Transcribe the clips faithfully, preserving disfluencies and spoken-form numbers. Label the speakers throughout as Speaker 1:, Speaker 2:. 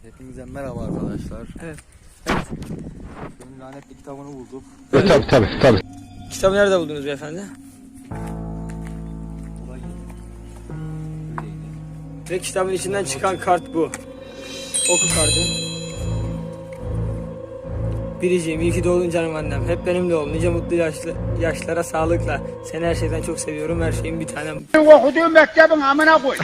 Speaker 1: Hepinize merhaba arkadaşlar.
Speaker 2: Evet.
Speaker 1: Evet. Benim lanetli kitabını bulduk.
Speaker 3: Evet. Tabii tabii tabii.
Speaker 2: Kitabı nerede buldunuz beyefendi?
Speaker 1: Olay yeri. Öyleydi.
Speaker 2: Ve kitabın içinden çıkan kart bu. Oku kartı. Biriciğim, iyi ki doğdun canım annem. Hep benimle ol. Nice mutlu yaşlı, yaşlara sağlıkla. Seni her şeyden çok seviyorum. Her şeyin bir tanem.
Speaker 4: Okuduğum mektebin amına koy.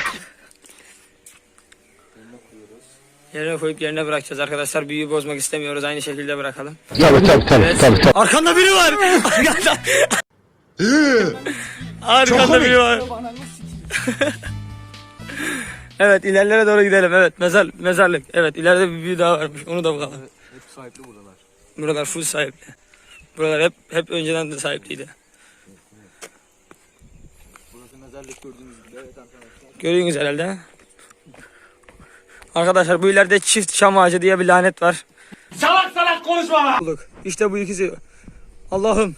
Speaker 2: Yerine koyup yerine bırakacağız arkadaşlar. Büyüyü bozmak istemiyoruz. Aynı şekilde bırakalım.
Speaker 3: Tabii tabii tabii
Speaker 2: Evet.
Speaker 3: tabii. tabii.
Speaker 2: Arkanda biri var. Arkanda. Arkanda biri var. Evet, ilerlere doğru gidelim. Evet, mezar mezarlık. Evet, ileride bir büyü daha varmış. Onu da bakalım.
Speaker 1: Evet, hep sahipli buralar.
Speaker 2: Buralar full sahipli. Buralar hep hep önceden de sahipliydi.
Speaker 1: Burası mezarlık gördüğünüz gibi. Evet arkadaşlar.
Speaker 2: Görüyorsunuz herhalde. Arkadaşlar bu ileride çift çam ağacı diye bir lanet var.
Speaker 4: Salak salak konuşma lan.
Speaker 2: Bulduk. İşte bu ikisi. Allah'ım.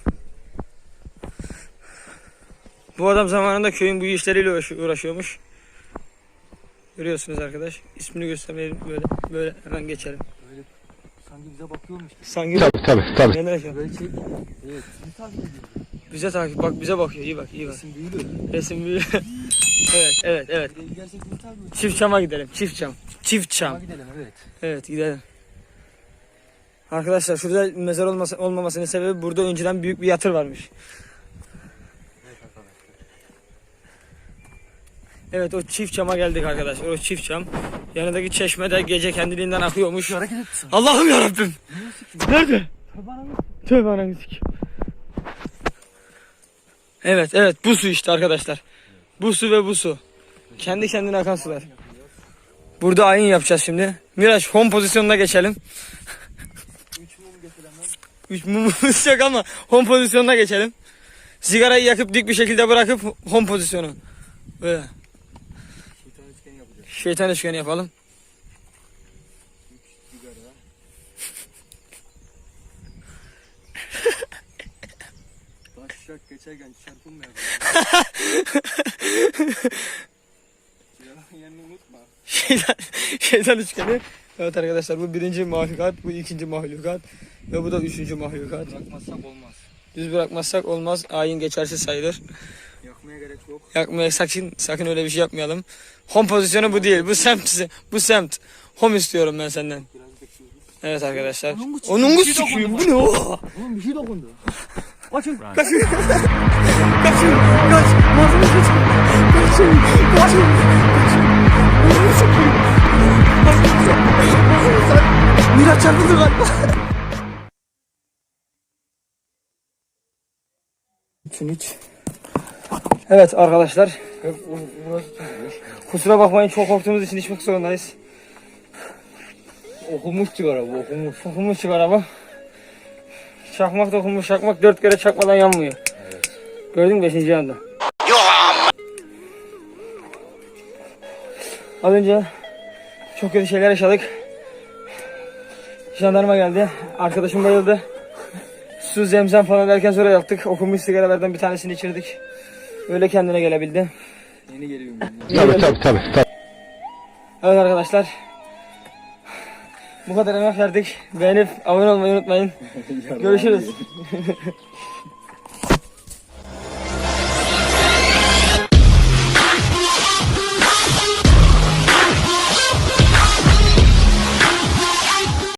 Speaker 2: Bu adam zamanında köyün bu işleriyle uğraş- uğraşıyormuş. Görüyorsunuz arkadaş. İsmini göstermeyelim böyle. Böyle hemen geçelim.
Speaker 1: Böyle sanki bize bakıyormuş gibi.
Speaker 2: Sanki
Speaker 3: Tabii tabii tabii.
Speaker 2: neler yaşıyor?
Speaker 1: Böyle şey. Evet. Bizi takip ediyor.
Speaker 2: Bize takip bak bize bakıyor. İyi bak iyi bak.
Speaker 1: Resim büyülü.
Speaker 2: Resim büyüyor. Evet evet evet.
Speaker 1: Buraya gidersek bizi takip ediyor.
Speaker 2: Çift çama gidelim. Çift çam. Çift çam.
Speaker 1: Ama gidelim evet.
Speaker 2: Evet gidelim. Arkadaşlar şurada mezar olması, olmamasının sebebi burada önceden büyük bir yatır varmış.
Speaker 1: Evet arkadaşlar.
Speaker 2: Evet o çift çama geldik arkadaşlar. O çift çam. Yanındaki çeşme de gece kendiliğinden akıyormuş.
Speaker 1: Hareket etsin.
Speaker 2: Allah'ım yarabbim. Nerede? Tövbe ananı sikeyim. Evet evet bu su işte arkadaşlar. Bu su ve bu su. Kendi kendine akan sular. Burada ayin yapacağız şimdi. Miraç home pozisyonuna geçelim. Üç mumumuz yok ama home pozisyonuna geçelim. Sigarayı yakıp dik bir şekilde bırakıp home pozisyonu. Böyle.
Speaker 1: Şeytan üçgeni yapacağız.
Speaker 2: Şeytan üçgeni yapalım.
Speaker 1: Sigara. Taşak geçerken çarpılmayalım. Sigaranın yerini unutma.
Speaker 2: Şeytan, şeytan üçgeni. Evet arkadaşlar bu birinci mahlukat, bu ikinci mahlukat ve bu da üçüncü mahlukat.
Speaker 1: Bırakmazsak olmaz.
Speaker 2: Düz bırakmazsak olmaz. Ayin geçersiz sayılır.
Speaker 1: Yakmaya gerek yok.
Speaker 2: Yakmaya sakın sakın öyle bir şey yapmayalım. Home pozisyonu bu değil. Bu semt. Bu semt. Home istiyorum ben senden.
Speaker 1: Biraz bekliyoruz.
Speaker 2: Evet arkadaşlar.
Speaker 1: Onun bu-
Speaker 2: Onun bu
Speaker 1: bir şey
Speaker 2: sikiyim. Bu
Speaker 1: dokundu
Speaker 2: ne o?
Speaker 1: Oğlum bir şey dokundu. Kaçın.
Speaker 2: Kaçın. Kaçın. Kaç. Malzeme kaçın. Kaçın. Kaçın. Kaçın. Onu sikiyim. Miraç çarpıldı galiba. Üçün üç. Evet arkadaşlar. Kusura bakmayın çok korktuğumuz için içmek zorundayız.
Speaker 1: Okumuş sigara bu okumuş.
Speaker 2: Okunmuş sigara bu. Çakmak da okunmuş çakmak dört kere çakmadan yanmıyor.
Speaker 1: Evet.
Speaker 2: Gördün mü beşinci yanda? Az önce çok kötü şeyler yaşadık. Jandarma geldi. Arkadaşım bayıldı. Su, zemzem falan derken sonra yaptık. Okunmuş sigaralardan bir tanesini içirdik. Öyle kendine gelebildi.
Speaker 1: Yeni geliyorum.
Speaker 3: Tabii tabii tabii. tabii.
Speaker 2: Evet arkadaşlar. Bu kadar emek verdik. Beğenip abone olmayı unutmayın. Görüşürüz.